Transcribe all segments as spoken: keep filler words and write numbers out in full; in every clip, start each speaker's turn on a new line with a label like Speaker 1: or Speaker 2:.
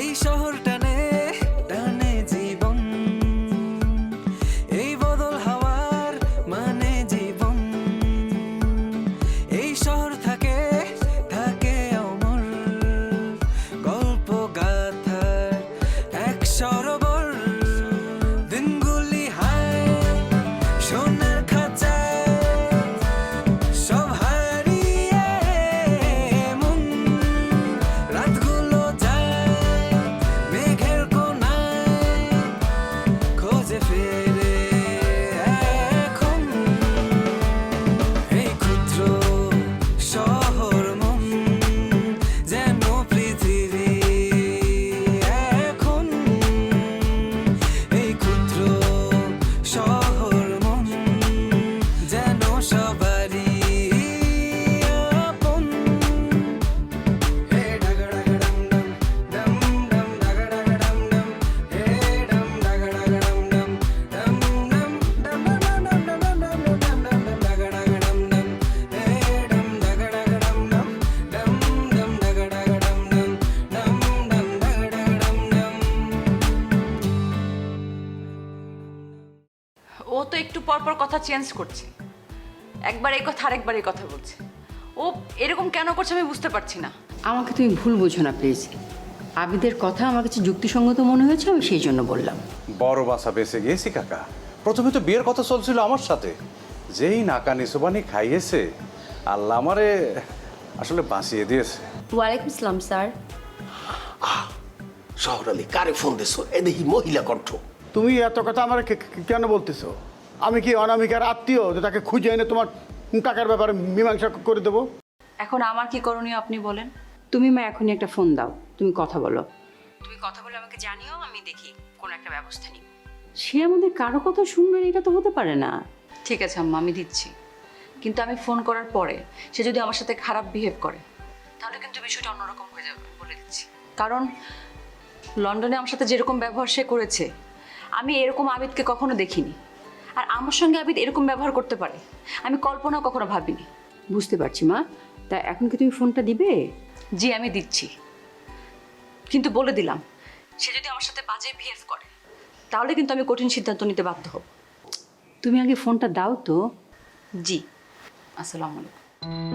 Speaker 1: শহর টানে টানে জীবন, এই বদল হাওয়ার মানে জীবন। এই শহর থাকে থাকে অমর, গল্প গাথার এক সরোবর। দিনগুলি হায় সোনার খাঁচায়, সব হারিয়ে মন। রাতগুলো যায় মেঘের কোনায়, খোঁজে ফেরে এখন। এই ক্ষুদ্র শহর মন যেন পৃথিবী এখন। এই ক্ষুদ্র শহর মন যেন সবারই আপন। হে ডাগা ডাগা ডম ডম, ডম ডম ডাগা ডাগা ডম ডম, হে ডম ডাগা ডাগা ডম ডম, ডম ডম ডম ডম ডম ডম ডম ডম ডম ডম ডাগা ডাগা ডম ডম, হে ডম ডাগা ডাগা ডম ডম, ডম ডম ডাগা ডাগা ডম ডম, ডম ডম ডাগা ডাগা ডম ডম।
Speaker 2: ও তো একটু পর পর কথা চেঞ্জ করছে, একবার এই কথা আরেকবার এই কথা বলছে। ও এরকম কেন করছে আমি বুঝতে পারছি না।
Speaker 3: আমাকে তুমি ভুল বোঝো না প্লিজ। আবিদের কথা আমার কাছে যুক্তিসঙ্গত মনে হয়েছে, আমি সেই জন্য বললাম।
Speaker 4: বড় বাসা বেঁচে গিয়েছি কাকা। প্রথমে তো বিয়ের কথা চলছিল আমার সাথে, যেই নাকা নিসুবানি খাইয়েছে আল্লাহ আমারে আসলে বাঁচিয়ে দিয়েছে।
Speaker 5: ওয়ালাইকুম আসসালাম স্যার।
Speaker 6: শহর আলী কারে ফোন দিছো? এ দেখি মহিলা কণ্ঠ।
Speaker 7: তুমি এত কথা আমার কেন বলতেছো? আমি কি অনামিকার আত্মীয় যে তাকে খুঁজে এনে তোমার টাকার ব্যাপারে মীমাংসা করে দেবো?
Speaker 2: এখন আমার কি করণীয় আপনি বলেন।
Speaker 3: তুমি মা এখনই একটা ফোন দাও, তুমি কথা বলো। তুমি কথা বলে আমাকে জানিও, আমি দেখি কোনো একটা ব্যবস্থা নিই। সে আমাদের কারো কথা শুনবে না, এটা তো হতে পারে না।
Speaker 2: ঠিক আছে আম্মা, আমি দিচ্ছি। কিন্তু আমি ফোন করার পরে সে যদি আমার সাথে খারাপ বিহেভ করে তাহলে কিন্তু বিষয়টা অন্যরকম হয়ে যাবে, বলে দিচ্ছি। কারণ লন্ডনে আমার সাথে যেরকম ব্যবহার সে করেছে, আমি এরকম আবিদকে কখনো দেখিনি। আর আমার সঙ্গে আবিদ এরকম ব্যবহার করতে পারে আমি কল্পনা কখনো ভাবিনি।
Speaker 3: বুঝতে পারছি মা, তা এখন কি তুমি ফোনটা দিবে?
Speaker 2: জি আমি দিচ্ছি, কিন্তু বলে দিলাম সে যদি আমার সাথে বাজে বিহেভ করে তাহলে কিন্তু আমি কঠিন সিদ্ধান্ত নিতে বাধ্য হব।
Speaker 3: তুমি আগে ফোনটা দাও তো।
Speaker 2: জি, আসসালামু আলাইকুম।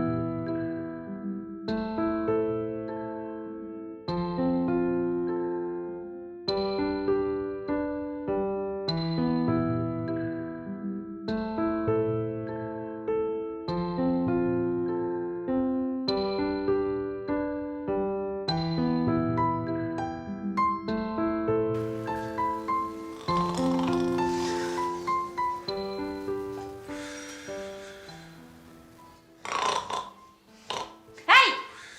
Speaker 5: এই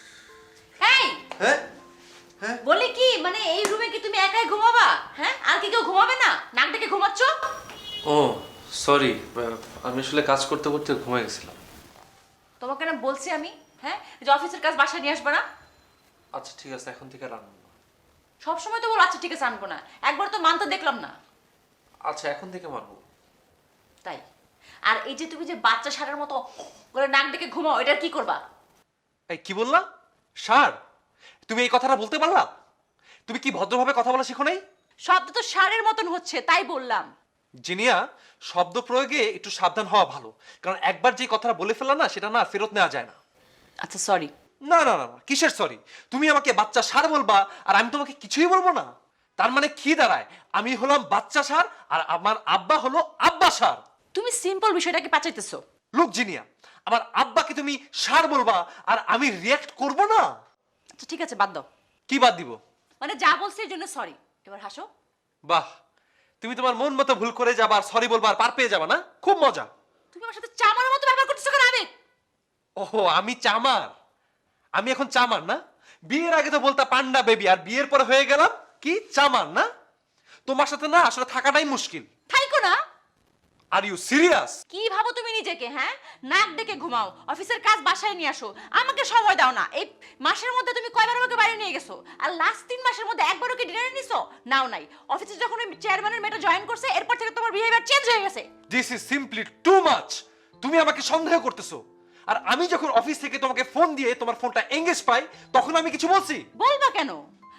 Speaker 5: এই বলি কি, মানে এই রুমে কি তুমি একাই ঘুমাবা? হ্যাঁ, আর কি কেউ ঘুমাবে না? নাক ডেকে ঘুমাচ্ছ?
Speaker 8: ও সরি, আমি আসলে কাজ করতে করতে ঘুমিয়ে গেছিলাম।
Speaker 5: তোমাকে না বলছি আমি, হ্যাঁ, যে অফিসের কাজ বাসায় নিয়ে আসবে না।
Speaker 8: আচ্ছা ঠিক আছে, এখন থেকে রান্না না।
Speaker 5: সবসময় তো বলো আচ্ছা ঠিক আছে আনবো না, একবার তো মানতে দেখলাম না।
Speaker 8: আচ্ছা এখন থেকে মানবো।
Speaker 5: তাই? আর এই যে তুমি যে বাচ্চা ষাঁড়ের মতো করে নাক ডেকে ঘুমাও, এটা কি করবা?
Speaker 8: এই কি বললা? সার? তুমি এই কথাটা বলতে পারলা? তুমি কি ভদ্রভাবে কথা বলা শিখো নাই?
Speaker 5: শব্দ তো ষাঁড়ের মতন হচ্ছে, তাই বললাম।
Speaker 8: জিনিয়া, শব্দ প্রয়োগে একটু সাবধান হওয়া ভালো, কারণ একবার যে কথাটা বলে ফেলা না, সেটা না ফেরত নেওয়া যায় না।
Speaker 2: আচ্ছা সরি।
Speaker 8: না না না না, কিসের সরি? তুমি আমাকে বাচ্চা সার বলবা আর আমি তোমাকে কিছুই বলবো না? তার মানে কি দাঁড়ায়? আমি হলাম বাচ্চা সার আর আমার আব্বা হলো আব্বা সার।
Speaker 5: তুমি সিম্পল বিষয়টাকে পাচাইতেছো।
Speaker 8: লোক জিনিয়া, আমার আব্বাকে তুমি সার বলবা আর আমি রিয়্যাক্ট করব না?
Speaker 5: আচ্ছা ঠিক আছে, বাদ দাও।
Speaker 8: কি বাদ দিব?
Speaker 5: মানে যা বলছি এর জন্য সরি, এবার হাসো।
Speaker 8: বাহ, তুমি তোমার মন মতো ভুল করে যাবা আর সরি বলবা আর পার পেয়ে যাবা না? খুব মজা।
Speaker 5: তুমি আমার সাথে চামার মতো ব্যবহার করতেছো কেন আবেগ?
Speaker 8: ওহো, আমি চামার? আমি এখন চামার না? বিয়ের আগে তো বলতা পান্ডা বেবি, আর বিয়ের পরে হয়ে গেলাম কি চামার না? তোমার সাথে না আসলে থাকাটাই মুশকিল।
Speaker 5: থাইকো না।
Speaker 8: Are you serious?
Speaker 5: কি ভাবো তুমি নিজেকে? হ্যাঁ, নাক ডেকে ঘুমাও, অফিসের কাজ বাসায় নিয়ে আসো, আমাকে সময় দাও না। এই মাসের মধ্যে তুমি কয়বার আমাকে বাইরে নিয়ে গেছো? আর লাস্ট তিন মাসের মধ্যে একবারও কি ডিনারে নিছো? নাও নাই। অফিসে যখন ওই চেয়ারম্যানের মেয়েটা জয়েন করছে, এরপর থেকে তোমার বিহেভিয়ার চেঞ্জ হয়ে গেছে।
Speaker 8: This is simply too much. তুমি আমাকে সন্দেহ করতেছো। আর আমি যখন অফিস থেকে তোমাকে ফোন দিয়ে তোমার ফোনটা এঙ্গেজ পাই, তখন আমি কিছু বলছি?
Speaker 5: বলবা কেন?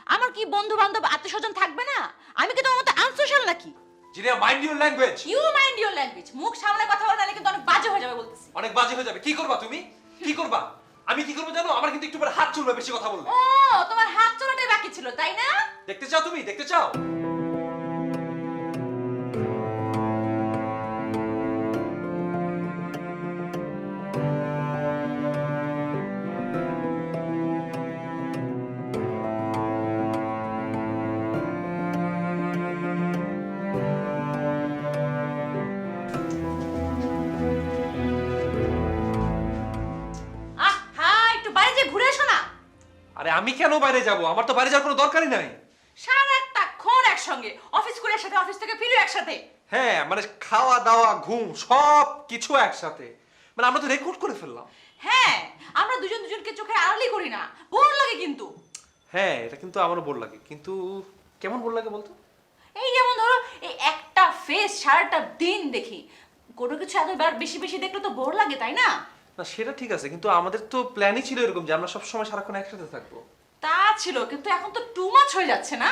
Speaker 5: আমার কি বন্ধু বান্ধব আত্মীয় স্বজন থাকবে না? আমি কি তোমার মতো আনসোশাল নাকি?
Speaker 8: Zinia mind your language.
Speaker 5: You mind your language. মুখ সামনে কথা বলা নাহলে কিন্তু অনেক বাজে হয়ে যাবে বলতেছি।
Speaker 8: অনেক বাজে হয়ে যাবে। কি করবা তুমি? কি করবা? আমি কি করবো জানো? আমার কিন্তু একটু পরে হাত চলবে বেশি কথা বললে।
Speaker 5: ও তোমার হাত চলাটাই বাকি ছিল তাই না?
Speaker 8: দেখতে চাও তুমি? দেখতে চাও?
Speaker 5: আহ হ্যাঁ, একটু বাইরে যে ঘুরে এসো না।
Speaker 8: আরে আমি কেন বাইরে যাব? আমার তো বাইরে যাওয়ার কোনো দরকারই নাই।
Speaker 5: সারা একটা ক্ষণ একসঙ্গে, অফিস করে একসাথে, অফিস থেকে ফিরে একসাথে।
Speaker 8: হ্যাঁ মানে খাওয়া দাওয়া ঘুম সব কিছু একসাথে। মানে আমরা তো রেকর্ড করে ফেললাম।
Speaker 5: হ্যাঁ, আমরা দুজন দুজনকে চোখে আড়ালি করি না, বোর লাগে কিন্তু।
Speaker 8: হ্যাঁ এটা কিন্তু আমারও বোর লাগে, কিন্তু কেমন বোর লাগে বলতো?
Speaker 5: এই যেমন ধরো এই একটা ফেস সারাটা দিন দেখি, কোনো কিছু এতবার বেশি বেশি দেখলে তো বোর লাগে তাই না?
Speaker 8: না সেটা ঠিক আছে, কিন্তু আমাদের তো প্ল্যানই ছিল এরকম যে আমরা সব সময় সারাক্ষণ একসাথে থাকবো।
Speaker 5: তা ছিল, কিন্তু এখন তো টু মাচ হয়ে যাচ্ছে না?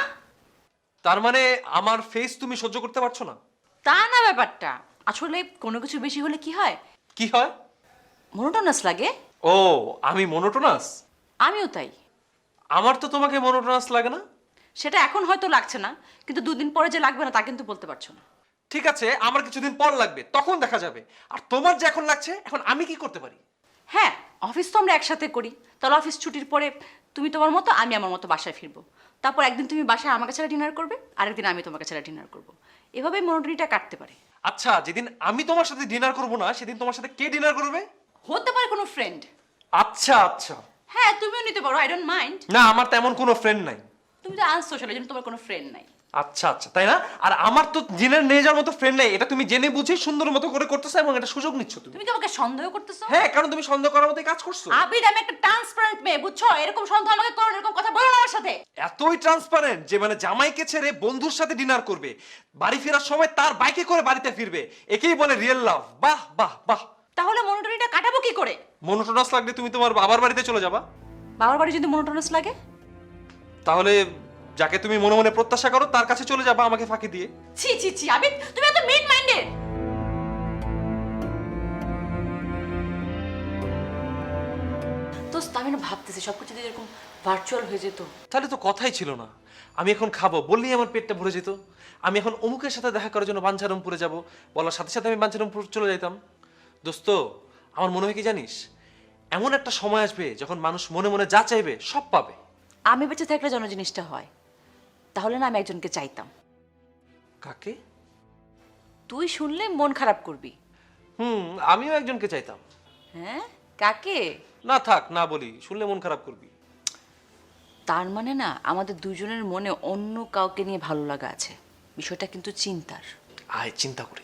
Speaker 8: তার মানে আমার ফেস তুমি সহ্য করতে পারছো না?
Speaker 5: তা না ব্যাপারটা, আসলে কোনো কিছু বেশি হলে কি হয়,
Speaker 8: কি হয়?
Speaker 5: মনোটোনাস লাগে।
Speaker 8: ও আমি মনোটোনাস?
Speaker 5: আমিও তাই।
Speaker 8: আমার তো তোমাকে মনোটোনাস লাগে না।
Speaker 5: সেটা এখন হয়তো লাগছে না, কিন্তু দুদিন পরে যে লাগবে না তা কিন্তু বলতে পারছো না।
Speaker 8: ঠিক আছে আমার কিছুদিন পর লাগবে, তখন দেখা যাবে। আর তোমার যে এখন লাগছে, এখন আমি কি করতে পারি?
Speaker 5: হ্যাঁ, অফিস তো আমরা একসাথে করি, তাহলে অফিস ছুটির পরে তুমি তোমার মতো, আমি আমার মতো বাসায় ফিরবো। তারপর একদিন তুমি বাসায় আমাকে ছাড়া ডিনার করবে, আরেকদিন আমি তোমাকে ছাড়া ডিনার করবো। এভাবেই মনোটনিটা কাটতে পারে।
Speaker 8: আচ্ছা যেদিন আমি তোমার সাথে ডিনার করব না, সেদিন তোমার সাথে কে ডিনার করবে?
Speaker 5: হতে পারে কোনো ফ্রেন্ড।
Speaker 8: আচ্ছা আচ্ছা।
Speaker 5: হ্যাঁ, তুমিও নিতে পারো, আই ডোন্ট মাইন্ড।
Speaker 8: না আমার তেমন কোনো ফ্রেন্ড নাই।
Speaker 5: তুমি তো আনসোশাল, এই জন্য তোমার কোনো ফ্রেন্ড নাই।
Speaker 8: আচ্ছা আচ্ছা তাই না? আর আমার তো ডিনার নিয়ে যাওয়ার মতো ফ্রেন্ড নাই, এটা তুমি জেনে বুঝে সুন্দর মতো করে করতেছো এবং এটা সুযোগ নিচ্ছ তুমি।
Speaker 5: তুমি কি আমাকে সন্দেহ করতেছো?
Speaker 8: হ্যাঁ কারণ তুমি সন্দেহ করার মতোই কাজ করছো।
Speaker 5: আবির, আমি একটা ট্রান্সপারেন্ট মেয়ে, বুঝছো? এরকম সন্দেহ আমাকে করো না, এরকম কথা বলো না আমার সাথে।
Speaker 8: এতই ট্রান্সপারেন্ট যে মানে জামাইকে ছেড়ে বন্ধুর সাথে ডিনার করবে, বাড়ি ফেরার সময় তার বাইকে করে বাড়িতে ফিরবে, একেই বলে রিয়েল লাভ। বাহ বাহ বাহ।
Speaker 5: তাহলে মনোটনিটা কাটাবো কি করে?
Speaker 8: মনোটোনাস লাগলে তুমি তোমার বাবার বাড়িতে চলে যাবা।
Speaker 5: বাবার বাড়ি যদি মনোটনাস লাগে,
Speaker 8: তাহলে যাকে তুমি মনে মনে প্রত্যাশা করো তার কাছে চলে যাবা আমাকে ফাঁকি দিয়ে।
Speaker 5: ছি ছি ছি আবির, তুমি এত মেন মাইন্ডেড। দোস্ত, আমি না ভাবতেছি সবকিছু যদি এরকম ভার্চুয়াল হয়ে যেত।
Speaker 8: তাহলে তো কথাই ছিল না। আমি এখন খাবো বললেই আমার পেটটা ভরে যেত। আমি এখন অমুকের সাথে দেখা করার জন্য বাঞ্ছারামপুরে যাব, বলার সাথে সাথে আমি বাঞ্ছারামপুর চলে যেতাম। দোস্ত আমার মনে হয় কি জানিস, এমন একটা সময় আসবে যখন মানুষ মনে মনে যা চাইবে সব পাবে।
Speaker 5: আমি বেঁচে থাকলে যেন জিনিসটা হয়, তাহলে না আমি একজনকে চাইতাম।
Speaker 8: কাকে?
Speaker 5: তুই শুনলে মন খারাপ করবি।
Speaker 8: হুম আমিও একজনকে চাইতাম।
Speaker 5: হ্যাঁ, কাকে?
Speaker 8: না থাক না বলি, শুনলে মন খারাপ করবি।
Speaker 5: তার মানে না আমাদের দুজনের মনে অন্য কাউকে নিয়ে ভালো লাগা আছে, বিষয়টা কিন্তু চিন্তার।
Speaker 8: আয় চিন্তা করি।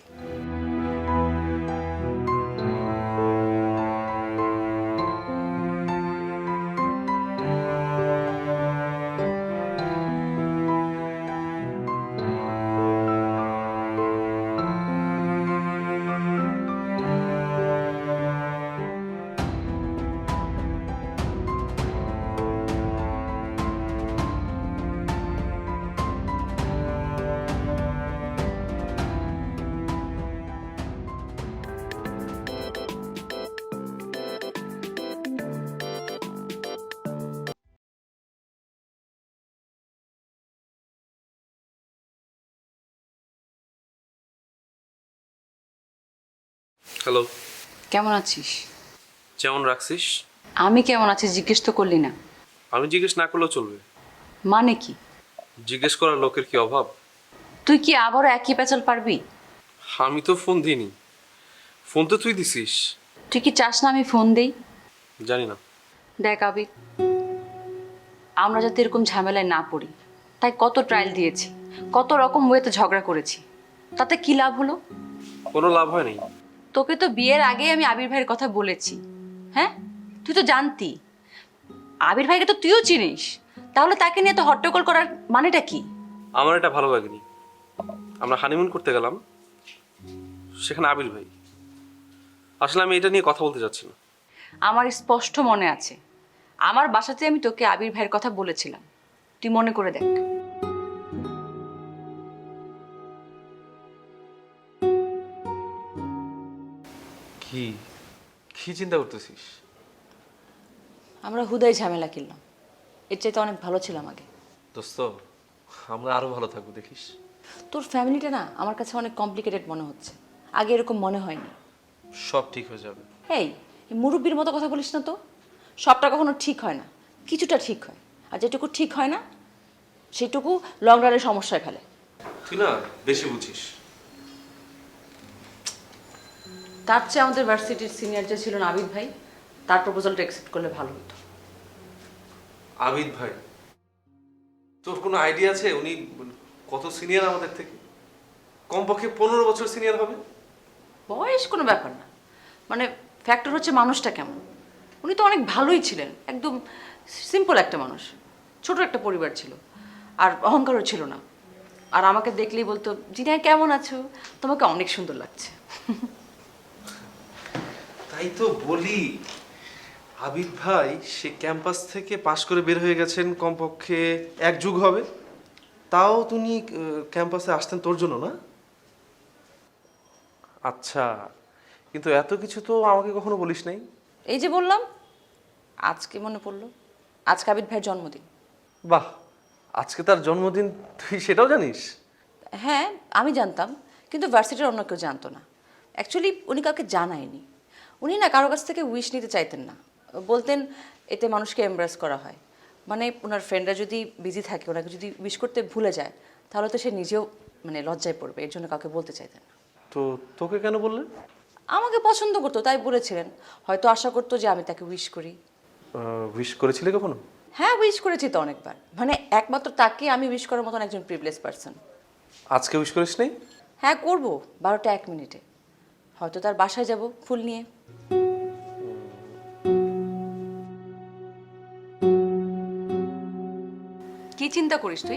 Speaker 9: হ্যালো,
Speaker 2: কেমন আছিস?
Speaker 9: যেমন রাখছিস।
Speaker 2: আমি কেমন আছি জিজ্ঞেস তো করলি না।
Speaker 9: আমি জিজ্ঞেস না করলেও চলবে।
Speaker 2: মানে কি?
Speaker 9: জিজ্ঞেস করার লোকের কি অভাব?
Speaker 2: তুই কি আবারও একই প্যাচাল পারবি?
Speaker 9: আমি তো ফোন দিইনি, ফোন তো তুই দিছিস।
Speaker 2: তুই কি চাস না আমি ফোন দেই?
Speaker 9: জানি না।
Speaker 2: দেখ আবির, আমরা যাতে এরকম ঝামেলায় না পড়ি তাই কত ট্রায়াল দিয়েছি, কত রকম ওয়েতে ঝগড়া করেছি, তাতে কি লাভ হলো?
Speaker 9: কোনো লাভ হয় নাই।
Speaker 2: তোকে তো বিয়ের আগেই আমি আবির ভাইয়ের কথা বলেছি। হ্যাঁ, তুই তো জানতি। আবির ভাইকে তো তুইও চিনিস, তাহলে তাকে নিয়ে তো হট্টগোল করার মানেটা কি?
Speaker 9: আমার এটা ভালো লাগেনি। আমরা হানিমুন করতে গেলাম, সেখানে আবির ভাই। আসলে আমি এটা নিয়ে কথা বলতে চাচ্ছি না।
Speaker 2: আমার স্পষ্ট মনে আছে, আমার বাসাতে আমি তোকে আবির ভাইয়ের কথা বলেছিলাম, তুই মনে করে দেখ।
Speaker 8: কি কি চিন্তা করতেছিস?
Speaker 2: আমরা হুদাই ঝামেলা কিনলাম, এর চাইতে অনেক ভালো ছিলাম আগে।
Speaker 8: দোস্ত, আমরা আরো ভালো থাকবো দেখিস।
Speaker 2: তোর ফ্যামিলিটা না আমার কাছে অনেক কমপ্লিকেটেড মনে হচ্ছে, আগে এরকম মনে হয়নি।
Speaker 8: সব ঠিক হয়ে যাবে।
Speaker 2: এই এই মুরব্বির মতো কথা বলিস না তো, সবটা কখনো ঠিক হয় না, কিছুটা ঠিক হয়, আর যেটুকু ঠিক হয় না সেটুকু লং রানে সমস্যায় ফেলে।
Speaker 8: তুই না বেশি বুঝিস।
Speaker 2: তার চেয়ে আমাদের ভার্সিটির সিনিয়র যে ছিল নাবিদ ভাই, তার প্রপোজালটা অ্যাকসেপ্ট করলে ভালো হতো।
Speaker 8: আবিদ ভাই, তোর কোনো আইডিয়া আছে উনি কত সিনিয়র আমাদের থেকে? কমপক্ষে পনেরো বছর সিনিয়র হবে।
Speaker 2: বয়স কোনো ব্যাপার না, মানে ফ্যাক্টর হচ্ছে মানুষটা কেমন। উনি তো অনেক ভালোই ছিলেন, একদম সিম্পল একটা মানুষ, ছোট একটা পরিবার ছিল, আর অহংকারও ছিল না। আর আমাকে দেখলেই বলতো, জিনা কেমন আছো, তোমাকে অনেক সুন্দর লাগছে।
Speaker 8: তাই তো বলি, আবিদ ভাই সে ক্যাম্পাস থেকে পাশ করে বের হয়ে গেছেন কমপক্ষে এক যুগ হবে, তাও তুমি ক্যাম্পাসে আসতেন তোর জন্য না? আচ্ছা, কিন্তু এত কিছু তো আমাকে কখনো বলিস নাই।
Speaker 2: এই যে বললাম, আজকে মনে পড়লো, আজকে আবিদ ভাইয়ের জন্মদিন।
Speaker 8: বাহ, আজকে তার জন্মদিন, তুই সেটাও জানিস?
Speaker 2: হ্যাঁ আমি জানতাম, কিন্তু ভার্সিটির অন্য কেউ জানতো না। অ্যাকচুয়ালি উনি কাউকে জানায়নি, উনি না কারো কাছ থেকে উইশ নিতে চাইতেন না, বলতেন এতে মানুষকে এমব্রেস করা হয়, মানে ওনার ফ্রেন্ডরা যদি বিজি থাকে, ওনাকে যদি উইশ করতে ভুলে যায় তাহলে তো সে নিজেও মানে লজ্জায় পড়বে, এর জন্য কাউকে বলতে চাইতেন না।
Speaker 8: তো তোকে কেন বললেন?
Speaker 2: আমাকে পছন্দ করতো তাই বলেছিলেন, হয়তো আশা করতো যে আমি তাকে উইশ করি।
Speaker 8: উইশ করেছিলে কখনো?
Speaker 2: হ্যাঁ উইশ করেছি তো অনেকবার, মানে একমাত্র তাকে আমি উইশ করার মতন একজন প্রিভিলেজ পারসন।
Speaker 8: আজকে উইশ করিস নাই?
Speaker 2: হ্যাঁ করবো, বারোটা এক মিনিটে হয়তো তার বাসায় যাব ফুল নিয়ে। কি চিন্তা করিস তুই?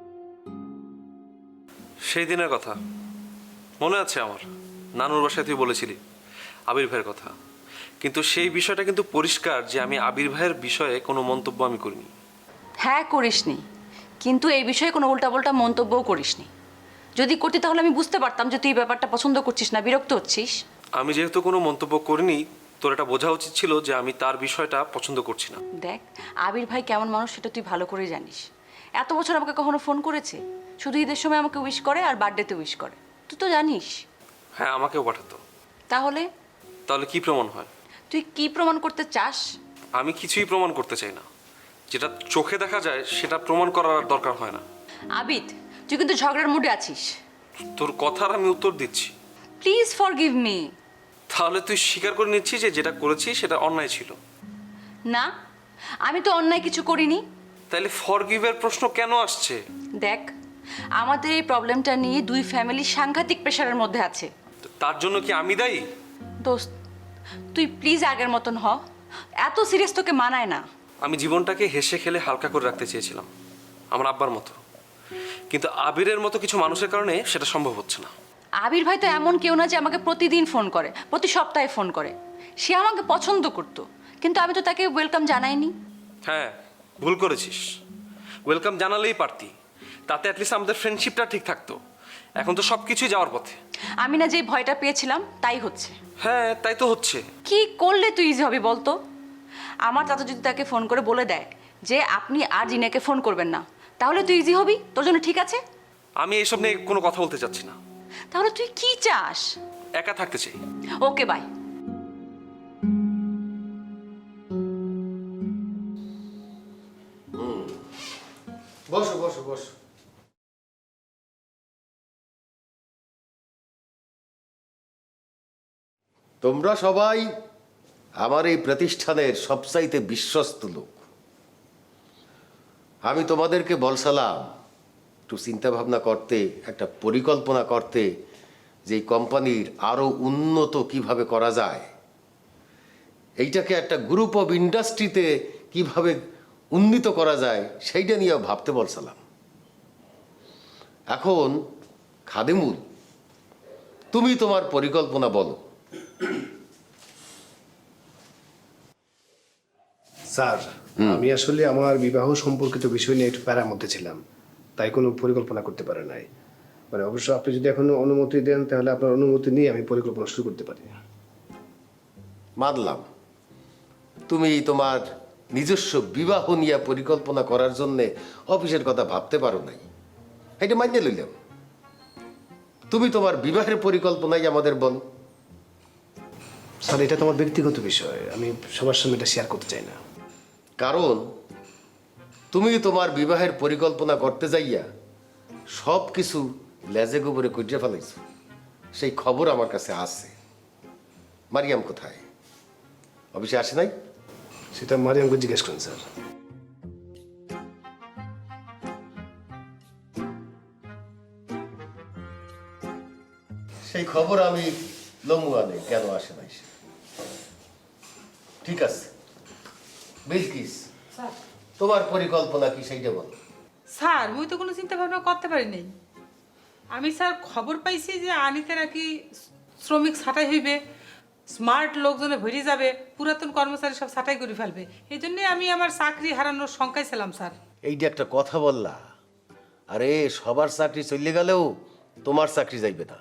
Speaker 9: সেই দিনের কথা মনে আছে আমার, নানুর বাসায় তুই বলেছিলি আবির ভাইয়ের কথা, কিন্তু সেই বিষয়টা কিন্তু পরিষ্কার যে আমি আবির ভাইয়ের বিষয়ে কোনো মন্তব্য আমি করিনি।
Speaker 2: হ্যাঁ করিসনি, কিন্তু এই বিষয়ে কোনো উল্টাপাল্টা মন্তব্যও করিসনি। যদি করতি তাহলে আমি বুঝতে পারতাম যে তুই এই ব্যাপারটা পছন্দ করছিস না, বিরক্ত হচ্ছিস।
Speaker 9: আমি যেহেতু কোনো মন্তব্য করিনি, তোর এটা বোঝা উচিত ছিল যে আমি তার বিষয়টা পছন্দ করছি না।
Speaker 2: দেখ আবির ভাই কেমন মানুষ সেটা তুই ভালো করে জানিস। এত বছর আমাকে কখনো ফোন করেছে? শুধু ঈদের সময় আমাকে উইশ করে আর বার্থডেতে উইশ করে, তুই তো জানিস।
Speaker 9: হ্যাঁ আমাকেও পাঠাতো।
Speaker 2: তাহলে
Speaker 9: তাহলে কি প্রমাণ হয়?
Speaker 2: তুই কি প্রমাণ করতে চাস?
Speaker 9: আমি কিছুই প্রমাণ করতে চাই না, যেটা চোখে দেখা যায় সেটা প্রমাণ করার আর দরকার হয় না।
Speaker 2: আবিদ তুই কিন্তু ঝগড়ার মুডে আছিস।
Speaker 9: তোর কথার আমি উত্তর দিচ্ছি।
Speaker 2: Please forgive me.
Speaker 9: তাহলে তুই স্বীকার করে নিচ্ছিস যে যেটা করেছিস সেটা অন্যায় ছিল?
Speaker 2: না, আমি তো অন্যায় কিছু করিনি।
Speaker 9: তাহলে ফরগিভের প্রশ্ন কেন আসছে?
Speaker 2: দেখ আমাদের এই প্রবলেমটা নিয়ে দুই ফ্যামিলি সাংঘাতিক প্রেশারের মধ্যে আছে।
Speaker 9: তার জন্য কি আমি দায়ী?
Speaker 2: দোস্ত তুই প্লিজ আগের মতন হ, এত সিরিয়াস তোকে মানায় না।
Speaker 9: আমি জীবনটাকে হেসে খেলে হালকা করে রাখতে চেয়েছিলাম, আমার আব্বার মতো, কিন্তু আবিরের মতো কিছু মানুষের কারণে সেটা সম্ভব হচ্ছে না।
Speaker 2: আবির ভাই তো এমন কেউ না যে আমাকে প্রতিদিন ফোন করে, প্রতি সপ্তাহে ফোন করে। সে আমাকে পছন্দ করতো, কিন্তু আমি তো তাকে ওয়েলকাম জানাইনি।
Speaker 9: হ্যাঁ ভুল করেছিস, ওয়েলকাম জানালেই পারতি, তাতে অ্যাটলিস্ট আমাদের ফ্রেন্ডশিপটা ঠিক থাকতো। এখন তো সব কিছুই যাওয়ার পথে।
Speaker 2: আমি না যে ভয়টা পেয়েছিলাম তাই হচ্ছে।
Speaker 9: হ্যাঁ তাই তো হচ্ছে।
Speaker 2: কি করলে তুই ইজি হবে বলতো? আমার চাচা যদি তাকে ফোন করে বলে দেয় যে আপনি আর জিনাকে ফোন করবেন না, তাহলে তুই ইজি হবি? তোর জন্য ঠিক আছে?
Speaker 9: আমি এইসব নিয়ে কোনো কথা বলতে চাচ্ছি না।
Speaker 2: তাহলে তুই কি চাস?
Speaker 9: একা থাকতে চাই।
Speaker 2: Okay bye.
Speaker 6: বসো বসো বসো। তোমরা সবাই আমার এই প্রতিষ্ঠানের সবচাইতে বিশ্বস্ত লোক। আমি তোমাদেরকে বলছিলাম একটু চিন্তা ভাবনা করতে, একটা পরিকল্পনা করতে, যে এই কোম্পানির আরো উন্নত কিভাবে করা যায়, এইটাকে একটা গ্রুপ অফ ইন্ডাস্ট্রিতে কিভাবে উন্নীত করা যায় সেইটা নিয়ে ভাবতে বলছিলাম। এখন খাদিমুল, তুমি তোমার পরিকল্পনা বলো।
Speaker 10: স্যার আমি আসলে আমার বিবাহ সম্পর্কিত বিষয় নিয়ে একটু প্যারার মধ্যে ছিলাম, তাই কোনো পরিকল্পনা করতে পারে নাই। মানে অবশ্য আপনি যদি এখন অনুমতি দেন তাহলে আপনার অনুমতি নিয়ে আমি পরিকল্পনা শুরু করতে পারি।
Speaker 6: মানলাম তুমি তোমার নিজস্ব বিবাহ নিয়ে পরিকল্পনা করার জন্য অফিসের কথা ভাবতে পারো নাই, এটা মানিয়ে লইলাম। তুমি তোমার বিবাহের পরিকল্পনাই আমাদের বলো।
Speaker 10: স্যার এটা তোমার ব্যক্তিগত বিষয়, আমি সবার সামনে এটা শেয়ার করতে চাই না।
Speaker 6: কারণ তুমি তোমার বিবাহের পরিকল্পনা করতে যাইয়া সব কিছু লেজে গোবরে কুইটে ফেলাইছো, সেই খবর আমার কাছে আছে। মারিয়াম কোথায়? অফিসে আসে নাই?
Speaker 10: সেটা মারিয়ামকে জিজ্ঞেস করুন স্যার।
Speaker 6: সেই খবর আমি লমু আনে কেন আসে নাই সে। ঠিক আছে বিলকিস, তোমার পরিকল্পনা কি সেইটা বলো।
Speaker 11: স্যার মুই তো কোনো চিন্তা ভাবনা করতে পারি নাই। আমি স্যার খবর পাইছি যে আনিতে নাকি শ্রমিক ছাঁটাই হইবে, স্মার্ট লোকজনে ভরে যাবে, পুরাতন কর্মচারী সব ছাঁটাই করে ফেলবে। এই জন্যে আমি আমার চাকরি হারানোর শঙ্কায় ছিলাম স্যার।
Speaker 6: এইটা একটা কথা বললা? আরে সবার চাকরি চলে গেলেও তোমার চাকরি যাইবে না।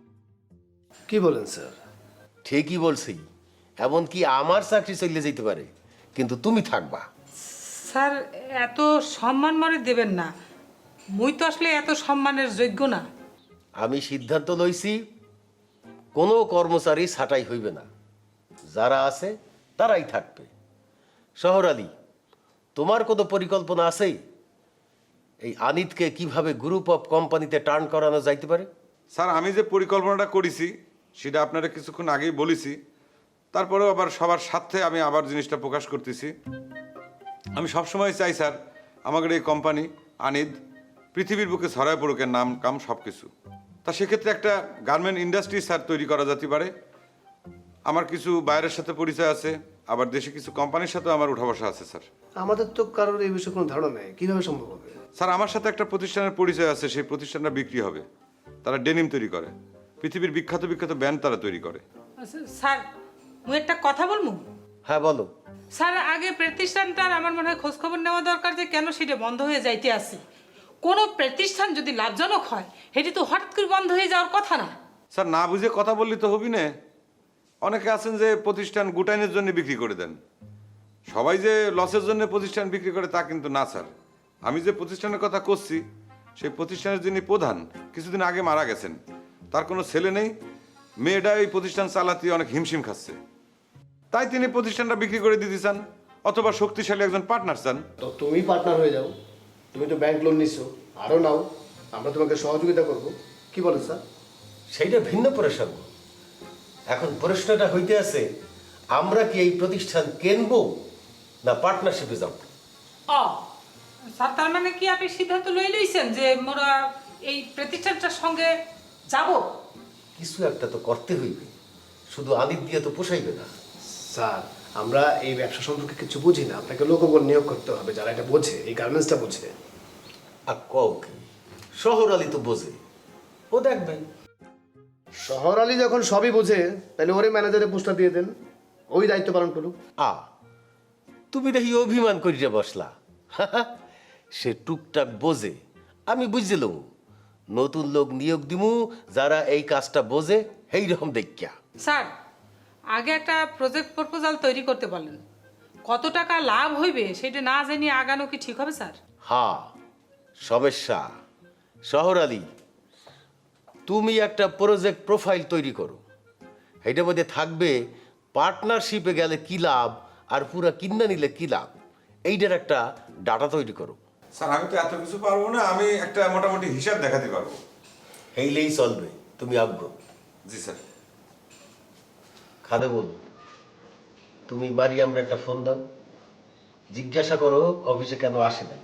Speaker 10: কি বলেন স্যার?
Speaker 6: ঠিকই বলছি, এমনকি আমার চাকরি চলে যেতে পারে, কিন্তু তুমি থাকবা।
Speaker 11: স্যার এত সম্মান মনে দেবেন না, মুই তো আসলে এত সম্মানের যোগ্য না।
Speaker 6: আমি সিদ্ধান্ত লইছি কোনো কর্মচারী ছাঁটাই হইবে না, যারা আছে তারাই থাকবে। শহর আলী, তোমার কোনো পরিকল্পনা আছে এই আনিতকে কিভাবে গ্রুপ অফ কোম্পানিতে টার্ন করানো যাইতে পারে?
Speaker 12: স্যার আমি যে পরিকল্পনাটা করেছি সেটা আপনারা কিছুক্ষণ আগেই বলেছি, তারপরেও আবার সবার সাথে আমি আবার জিনিসটা প্রকাশ করতেছি। আমি সবসময় চাই স্যার আমাদের এই কোম্পানি আনিদ পৃথিবীর বুকে ছড়ায় পড়ুক, নাম কাম সব কিছু। তা সেক্ষেত্রে একটা গার্মেন্ট ইন্ডাস্ট্রি স্যার তৈরি করা যেতে পারে। আমার কিছু বাইরের সাথে পরিচয় আছে, আবার দেশে কিছু কোম্পানির সাথেও আমার উঠা বসা আছে স্যার।
Speaker 10: আমাদের তো কারোর এই বিষয়ে কোনো ধারণা নেই, কিভাবে সম্ভব হবে?
Speaker 12: স্যার আমার সাথে একটা প্রতিষ্ঠানের পরিচয় আছে, সেই প্রতিষ্ঠানটা বিক্রি হবে। তারা ডেনিম তৈরি করে, পৃথিবীর বিখ্যাত বিখ্যাত ব্যান্ড তারা তৈরি করে।
Speaker 11: স্যার মুই একটা কথা বলবো?
Speaker 6: হ্যাঁ বলো।
Speaker 11: স্যার আগে প্রতিষ্ঠানটার আমার মনে হয় খোঁজখবর নেওয়া দরকার যে কেন সেটা বন্ধ হয়ে যাইতে আছে। কোনো প্রতিষ্ঠান যদি লাভজনক হয় সেটি তো হঠাৎ করে বন্ধ হয়ে যাওয়ার কথা না।
Speaker 12: স্যার না বুঝে কথা বললি তো হবি না। অনেকে আছেন যে প্রতিষ্ঠান গুটাইনের জন্য বিক্রি করে দেন, সবাই যে লসের জন্য প্রতিষ্ঠান বিক্রি করে তা কিন্তু না স্যার। আমি যে প্রতিষ্ঠানের কথা করছি সেই প্রতিষ্ঠানের যিনি প্রধান কিছুদিন আগে মারা গেছেন, তার কোনো ছেলে নেই, মেয়েটা এই প্রতিষ্ঠান চালাতে অনেক হিমশিম খাচ্ছে, তাই তিনি প্রতিষ্ঠানটা বিক্রি করে দিতে চান, অথবা শক্তিশালী একজন পার্টনার চান।
Speaker 10: তো তুমি পার্টনার হয়ে যাও, তুমি তো ব্যাংক লোন নিছো, আরও নাও, আমরা তোমাকে সহযোগিতা করব। কি বলেন স্যার?
Speaker 6: সেইটা ভিন্ন প্রসঙ্গ। এখন প্রশ্নটা হইতে আছে আমরা কি এই প্রতিষ্ঠান কিনবো না পার্টনারশিপে যাব?
Speaker 11: ও স্যার তার মানে কি আপনি সিদ্ধান্ত লই লইছেন যে মোরা এই প্রতিষ্ঠানটার সঙ্গে যাব?
Speaker 6: কিছু একটা তো করতে হইবে, শুধু আনিত দিয়ে তো পোষাইবে না।
Speaker 10: স্যার আমরা এই ব্যবসা সম্পর্কে কিছু বুঝি না, আপনাকে লোকবল নিয়োগ করতে হবে যারা এটা বোঝে, এই গার্মেন্টসটা বোঝে।
Speaker 6: আর কও কি, শহর আলী তো বোঝে, ও দেখবে।
Speaker 10: শহর আলী যখন সবই বোঝে তাহলে ওরে ম্যানেজারের পোস্টটা দিয়ে দেন, ওই দায়িত্ব পালন করুক।
Speaker 6: আ তুমি দেখি অভিমান করিয়া বসলা। সে টুকটাক বোঝে, আমি বুঝছিলাম। নতুন লোক নিয়োগ দিমু যারা এই কাজটা বোঝে, এই রকম দেখিয়া।
Speaker 11: স্যার আগে একটা প্রজেক্ট প্রপোজাল তৈরি করতে বলেন, কত টাকা লাভ হইবে সেটা না জানিয়ে আগানো কি ঠিক হবে স্যার?
Speaker 6: হ্যাঁ সমস্যা। শহর আলী তুমি একটা প্রজেক্ট প্রোফাইল তৈরি করো, এইটার মধ্যে থাকবে পার্টনারশিপে গেলে কি লাভ আর পুরা কিনা নিলে কি লাভ, এইটার একটা ডাটা তৈরি করো।
Speaker 12: স্যার আমি তো এত কিছু পারবো না, আমি একটা মোটামুটি হিসাব দেখাতে পারবো।
Speaker 6: এইলেই চলবে, তুমি আগ্রহ।
Speaker 12: জি স্যার।
Speaker 6: খাদে বল, তুমি মারিয়ামরা একটা ফোন দাও, জিজ্ঞাসা করো অফিসে কেন আসে না।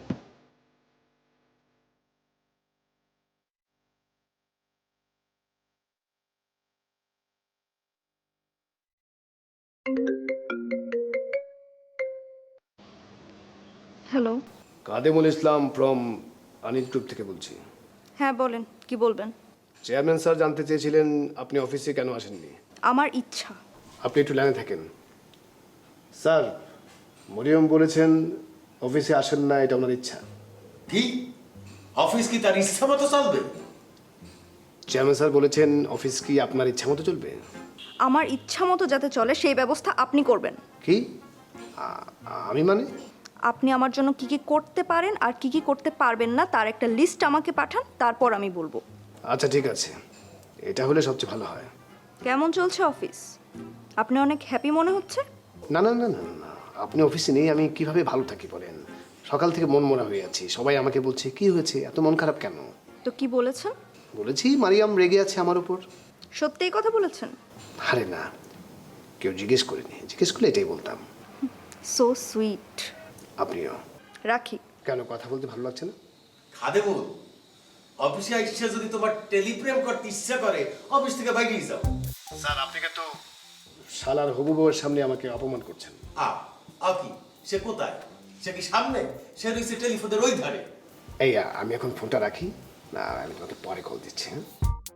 Speaker 13: Hello.
Speaker 10: Kademul Islam from Anit group থেকে বলছি।
Speaker 13: হ্যাঁ বলেন, কি বলবেন?
Speaker 10: চেয়ারম্যান স্যার জানতে চেয়েছিলেন আপনি অফিসে কেন আসেননি।
Speaker 13: আমার ইচ্ছা।
Speaker 10: আপনি একটু লাইনে থাকেন। স্যার মরিয়ম বলেছেন অফিসে আসেন না, এটা ওনার ইচ্ছা।
Speaker 6: কি অফিস কি তার ইচ্ছা মতো চলবে?
Speaker 10: চেয়ারম্যান স্যার বলেছেন অফিস কি আপনার ইচ্ছা মতো চলবে?
Speaker 13: আমার ইচ্ছা মতো যাতে চলে সেই ব্যবস্থা আপনি করবেন।
Speaker 10: কি আ- আমি মানে?
Speaker 13: আপনি আমার জন্য কি কি করতে পারেন আর কি কি করতে পারবেন না তার একটা লিস্ট আমাকে পাঠান, তারপর আমি বলবো।
Speaker 10: আচ্ছা ঠিক আছে, এটা হলে সবচেয়ে ভালো হয়।
Speaker 13: কেমন চলছে অফিস? আপনি অনেক হ্যাপি মনে হচ্ছে।
Speaker 10: না না না না না, না, আপনি অফিসে নেই আমি কিভাবে ভালো থাকি বলেন? সকাল থেকে মন মরা হয়ে আছি, সবাই আমাকে বলছে কি হয়েছে, এত মন খারাপ কেন?
Speaker 13: তো কি বলেছেন?
Speaker 10: বলেছি মারিয়াম রেগে আছে আমার উপর।
Speaker 13: সত্যিই কথা বলেছেন?
Speaker 10: আরে না, কেউ জিজ্ঞেস করেনি, জিজ্ঞেস করলে এটাই বলতাম।
Speaker 13: So sweet.
Speaker 10: আপনিও।
Speaker 13: রাখি।
Speaker 10: কেন কথা বলতে ভালো লাগছে না?
Speaker 6: খাদেমুল, অফিসে আইসা যদি তোমার টেলিপ্রেম করতে ইচ্ছা করে অফিস থেকে বাইরেই যাও।
Speaker 10: স্যার আপনি কিন্তু শালার হবু বউয়ের সামনে আমাকে অপমান করছেন।
Speaker 6: আ আ কি সে কোথায়? সে কি সামনে? সে রয়েছে টেলিফোনের ওই ধারে।
Speaker 10: এই আ, আমি এখন ফোনটা রাখি, না আমি তোমাকে পরে কল দিচ্ছি। হ্যাঁ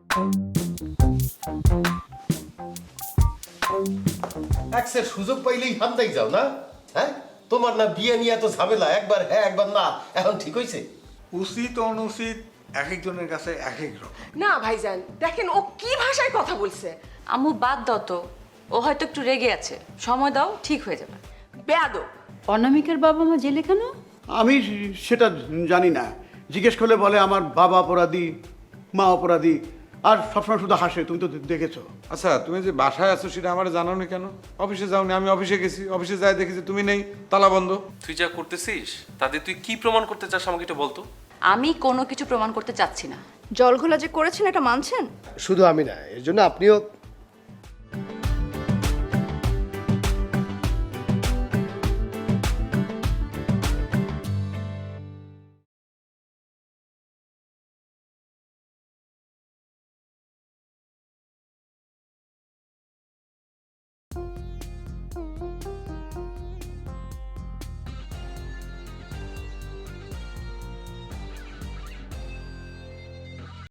Speaker 6: একসের সুযোগ পাইলেই হান্দাই যাও না? হ্যাঁ, তোমার না বিয়ে নিয়ে এত ঝামেলা, একবার হ্যাঁ একবার না, এখন ঠিক হয়েছে?
Speaker 7: উচিত অনুচিত এক একজনের কাছে এক এক রকম।
Speaker 14: না ভাইজান, দেখেন ও কি ভাষায় কথা বলছে।
Speaker 2: আম্মু বাদ দাও তো, ও হয়তো একটু রেগে আছে, সময় দাও, ঠিক হয়ে যাবে।
Speaker 14: বেয়াদব।
Speaker 3: অনামিকার বাবা মা জেলে কেন?
Speaker 7: আমি সেটা জানি না, জিজ্ঞেস করলে বলে আমার বাবা অপরাধী, মা অপরাধী, আর সবসময় শুধু হাসে। তুমি তো দেখেছো।
Speaker 12: আচ্ছা তুমি যে বাসায় আছো সেটা আমার জানাওনি কেন? অফিসে যাওনি, আমি অফিসে গেছি, অফিসে যাই দেখেছি তুমি নেই, তালা বন্ধ।
Speaker 9: তুই যা করতেছিস তাতে তুই কি প্রমাণ করতে চাস আমাকে এটা বলতো।
Speaker 2: আমি কোনো কিছু প্রমাণ করতে চাচ্ছি না।
Speaker 13: জল ঘোলা যে করেছেন এটা মানছেন?
Speaker 10: শুধু আমি না, এর জন্য আপনিও